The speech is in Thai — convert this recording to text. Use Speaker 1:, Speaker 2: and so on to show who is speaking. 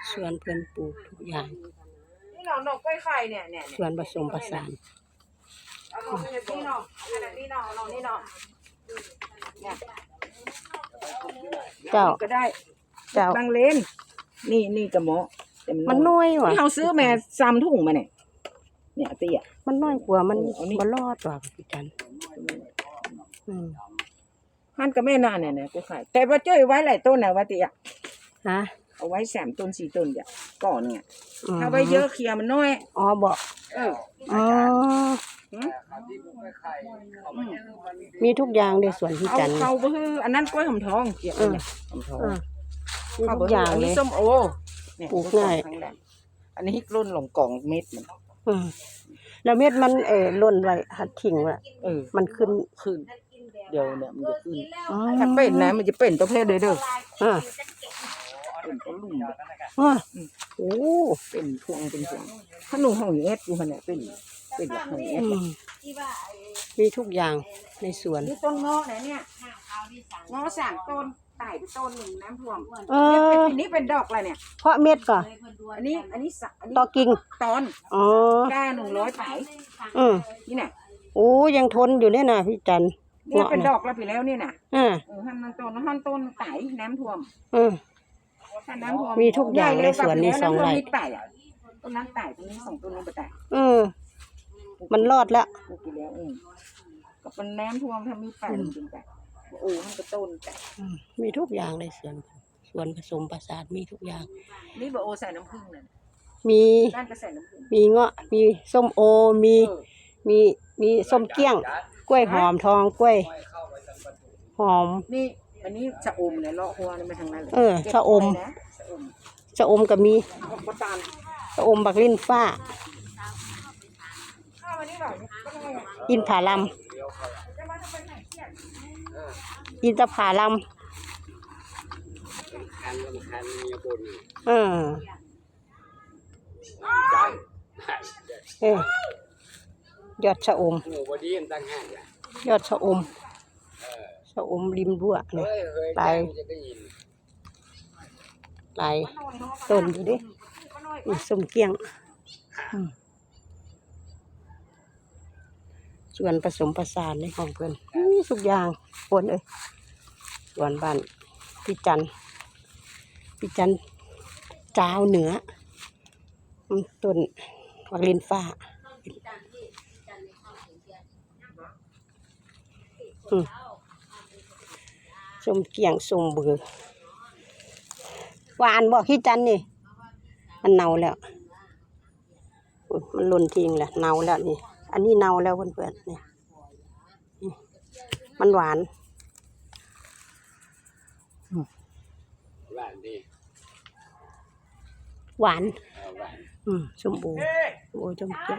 Speaker 1: สวนเพิ่นปลูกทุกอย่าง
Speaker 2: นี่หน่อหน่อกล้วยไข่เนี่ย
Speaker 1: สวนผสมผสาน
Speaker 2: เอาหน่อนี่หน่ออันนี้หน่อหน่อนี่หน่อเนี่ย
Speaker 1: เจ้า
Speaker 2: ก็ได้
Speaker 1: เจ้า
Speaker 2: บางเลนนี่กระหมอ
Speaker 1: มันน้อยว่ะ
Speaker 2: ที่เขาซื้อแม่3 ถุงมาเนี่ยเตี้ย
Speaker 1: มันน้อยกว่ามันบ่รอดว่ะพี่จัน
Speaker 2: หั่นก็แม่น่าเนี่ยกล้วยไข่แต่ว่าจ้อยไว้หลายต้นน่ะว่าเตี้ย
Speaker 1: ฮะ
Speaker 2: เอาไว้3 ต้น 4 ต้นจ้ะก่อนเนี่ยถ้าไว้เยอะเคลียร์มันน้อย
Speaker 1: อ๋อบ่อ๋อมีทุกอย่างในสวนพี่จัน
Speaker 2: เขาบ่ฮืออันนั้นกล้วยหอมทองเกี่ยวเนี่ยหอมทอง
Speaker 1: มีทุกอย่างเลย
Speaker 2: อันนี้ส้มโอเนี่ย
Speaker 1: ปลูกง่าย
Speaker 2: อันนี้ร่นลงกล่องเม็ดมัน
Speaker 1: แล้วเม็ดมันหล่นไว้หัดทิ้งไว้มันขึ้น
Speaker 2: เดี๋ยวเนี่ยมันจะขึ้นถ้าเป็นนะมันจะเป็นตัวเพศเด้อเป็นต้นลุ่ม
Speaker 1: โอ้
Speaker 2: เป็นพวงถ้าหนูห้องเอสอยู่เนี่ยเป็นหลักห้องเอส
Speaker 1: มีทุกอย่างในสวน
Speaker 2: นี่ต้นเงาะเนี่ยเงาะ3 ต้นไต่ไปต้น1น้ำท่วมนี่เป็นดอกอะไรเนี่ย
Speaker 1: เพราะเม็ดก่อน
Speaker 2: อันนี้
Speaker 1: ตอกิ่ง
Speaker 2: ตอนก้า100ไปนี่น่ะ
Speaker 1: โอ้ยังทนอยู่เนี่ยนะพี่จัน
Speaker 2: เนี่ยเป็นดอกแล้วไปแล้วนี่น่ะหั่นต้นไต่น้ำท่วมถ้าน้ำท่วม
Speaker 1: มีทุกอย่างในสวนนี้2 ไร่
Speaker 2: ต้นนั้นไต่ต้นนี้2 ต้นนู้นไปไต่
Speaker 1: มันรอดแล้ว
Speaker 2: ปลูกไปแล้วก็เป็นน้ำท่วมถ้ามีไต่จริงๆแต่โอ้มันก็ต้นแต่
Speaker 1: มีทุกอย่างในสวนผสมผสานมีทุกอย่าง
Speaker 2: นี่บ่โอใส่น้ำผึ้งนั่น
Speaker 1: มี
Speaker 2: ด้านก็ใส่น้ำผึ้ง
Speaker 1: มีเงาะมีส้มโอมีส้มเกี้ยงกล้วยหอมทองกล้วยหอม
Speaker 2: นี่อันนี้ชะอมเนี่ยเลาะหัวนี่มาทางนั้นเลย
Speaker 1: ชะอมก็มีชะอมบักลิ้นฟ้าอินผาลัมอินทผาลัมยอดชะอมยอดชะอมริมรั้วเนี่ยหลายต้นอยู่ดิส้มเกี้ยงส่วนผสมผสานในของเพื่อนทุกอย่างคนส่วนบ้านพี่จันเจ้าเหนือต้นวักลินฟ้าส้มเกี้ยงส้มเบือหวานบอกพี่จันนี่มันเน่าแล้วมันหล่นทิ้งแล้วเน่าแล้วนี่อันนี้เน่าแล้วเพื่อนๆนี่มันหวานหวานชมพูส้มเกี้ยง